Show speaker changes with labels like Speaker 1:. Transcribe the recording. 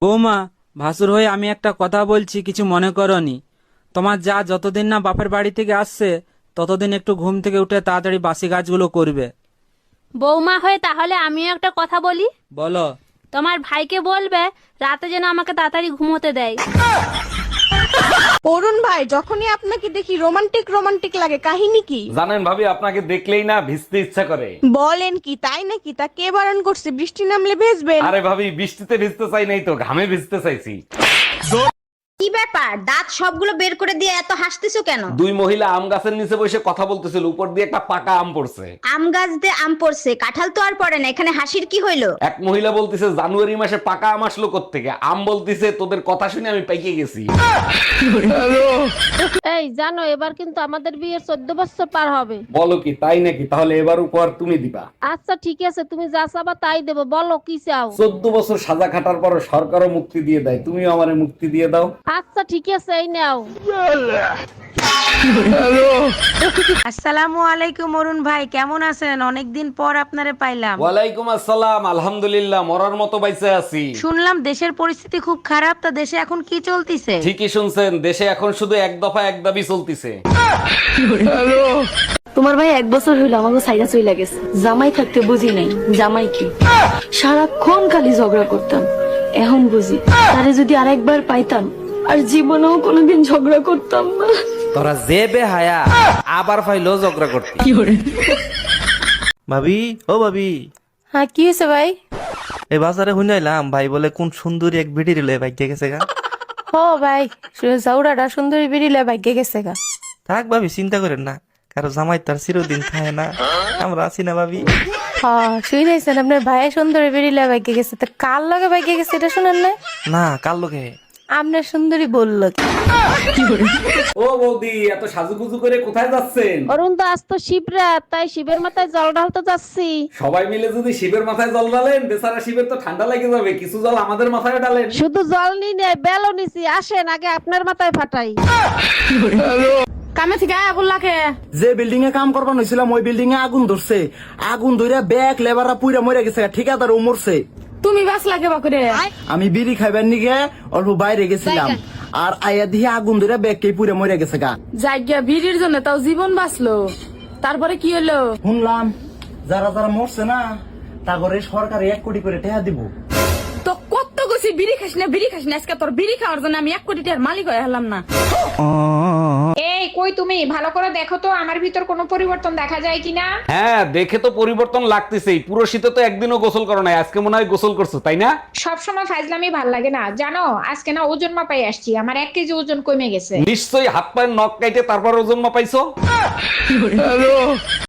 Speaker 1: বৌমা, ভাসুর হয়ে আমি একটা কথা বলছি, কিছু মনে করনি। তোমার যা যতদিন না বাপের বাড়ি থেকে আসছে ততদিন একটু ঘুম থেকে উঠে তাড়াতাড়ি বাসি কাজগুলো করবে।
Speaker 2: বৌমা হয়ে তাহলে আমিও একটা কথা বলি।
Speaker 1: বলো।
Speaker 2: তোমার ভাইকে বলবে রাতে যেন আমাকে তাড়াতাড়ি ঘুমোতে দেয়।
Speaker 3: অরুণ ভাই, যখনই আপনাকে দেখি রোমান্টিক রোমান্টিক লাগে, কাহিনী কি?
Speaker 4: জানেন ভাবি, আপনাকে দেখলেই না ভিজতে ইচ্ছা করে।
Speaker 3: বলেন কি, তাই নাকি? তা কে বারণ করছে? বৃষ্টি নামলে ভেজবেন?
Speaker 4: আরে ভাবি, বৃষ্টিতে ভিজতে চাই নাই তো, ঘামে ভিজতে চাইছি।
Speaker 5: কি ব্যাপার, দাঁত সবগুলো বের করে দিয়ে এত হাসতেছো কেন?
Speaker 4: দুই মহিলা আম গাছের নিচে বসে কথা বলতেছিল, উপর দিয়ে একটা পাকা আম পড়ছে।
Speaker 5: আম গাছ দিয়ে আম পড়ছে, কাঁঠাল তো আর পড়ে না, এখানে হাসির কি হইলো?
Speaker 4: এক মহিলা বলতিছে জানুয়ারি মাসে পাকা আম আসলো কোত্থেকে। আম বলতিছে তোদের কথা শুনে আমি পাইকে গেছি।
Speaker 2: এই জানো, এবার কিন্তু আমাদের বিয়ের 14 বছর পার হবে।
Speaker 4: বলো কি, তাই নাকি? তাহলে এবার উপহার তুমি দিবা।
Speaker 2: আচ্ছা ঠিক আছে, তুমি যা চাবা তাই দেবো, বলো কি চাও।
Speaker 4: 14 বছর সাজা খাটার পর সরকারও মুক্তি দিয়ে দেয়, তুমিও আমারে মুক্তি দিয়ে দাও।
Speaker 2: আচ্ছা ঠিক আছে, এই নাও।
Speaker 3: আসসালামু আলাইকুম অরুণ ভাই, কেমন আছেন? অনেকদিন পর আপনারে পাইলাম।
Speaker 4: ওয়ালাইকুম আসসালাম, আলহামদুলিল্লাহ, মরার মতো বাইসে আছি।
Speaker 3: শুনলাম দেশের পরিস্থিতি খুব খারাপ, তা দেশে এখন কি চলতিছে?
Speaker 4: ঠিকই শুনছেন, দেশে এখন শুধু এক দফা এক দাবি চলতিছে।
Speaker 6: তোমার ভাই 1 বছর হইলো আমাকে সাইডা চইলা গেছে। জামাই থাকতে বুঝি নাই জামাই কি, সারাক্ষণ খালি ঝগড়া করতাম। এখন বুঝি তারে যদি আরেকবার পাইতাম আর জীবনেও কোনোদিন ঝগড়া করতাম না।
Speaker 7: তোরা যে বেহায়া আবার ফাইলো ঝগড়া করতে। ভাবি, ও ভাবি,
Speaker 6: হ্যাঁ কি হয়েছে ভাই?
Speaker 7: এই বাজারে শুনাইলাম ভাই বলে কোন সুন্দরী এক ভিডি রিলে ভাগ্যে গেছে গা।
Speaker 6: ও ভাই, জাউরাটা সুন্দরী বেরিলে ভাগ্যে গেছে গা।
Speaker 7: থাক ভাবি, চিন্তা করেন না, কারো জামাই তার চিরদিন থাকে না, আমরা আছি না ভাবি।
Speaker 6: হ্যাঁ শুনেছেন, আপনার ভাই সুন্দরী বেরিলে ভাগ্যে গেছে, তা কার লগে ভাগ্যে গেছে এটা শুনেন না?
Speaker 7: না, কার লোকে?
Speaker 6: আপনার সুন্দরী বললো কি।
Speaker 4: ও বৌদি, এত সাজুগুজু করে কোথায় যাচ্ছেন?
Speaker 2: অরুণ তো আজ তো শিবরাত, তাই শিবের মাথায় জল ঢালতে যাচ্ছি।
Speaker 4: সবাই মিলে যদি শিবের মাথায় জল ঢালেন, বেচারা শিবের তো ঠান্ডা লেগে যাবে, কিছু জল আমাদের মাথায় ঢালেন।
Speaker 2: শুধু জল নিয়ে নেই, বেলও নিছি, আসেন আগে আপনার মাথায় ফাটাই।
Speaker 6: কামে থেকে আয়া বললাকে
Speaker 8: যে বিল্ডিং এ কাম করবার হয়েছিলাম ওই বিল্ডিং এ আগুন ধরছে। আগুন ধরে ব্যাগ লেবাররা পুইরা মরে গেছে, ঠিকাদার ও মরছে।
Speaker 6: তুমি বাস লাগে বাকুরে।
Speaker 8: আমি বিড়ি খাইবার নিগে অল্প বাইরে গেছিলাম, আর আয়া দিয়ে আগুন ধরে ব্যাগ কে পুইরা মরে গেছে গা।
Speaker 6: জায়গা ভিড়ের জন্য তাও জীবন বাঁচলো, তারপরে কি হলো?
Speaker 8: শুনলাম যারা যারা মরছে না, তা করে সরকারে 1 কোটি করে টাকা দিব।
Speaker 6: তো কত গেছি বিড়ি খাস না বিড়ি খাস না, আজকে তোর বিড়ি খাওয়ার জন্য আমি 1 কোটি টাকার মালিক হয়ে হলাম না।
Speaker 9: এই কই তুমি, ভালো করে দেখো তো আমার ভিতর কোনো পরিবর্তন দেখা যায় কিনা।
Speaker 4: হ্যাঁ, দেখে তো পরিবর্তন লাগতেছেই। পুরো শীতে তো একদিনও গোসল করো নাই, আজকে মনে হয় গোসল করছো, তাই না?
Speaker 9: সবসময় ফাজলামি ভাল লাগে না জানো। আজকে না ওজন মাপাই আসছি, আমার 1 কেজি ওজন কমে গেছে।
Speaker 4: নিশ্চয়ই হাত পায়ের নখ কাইটে তারপর ওজন মাপাইছো।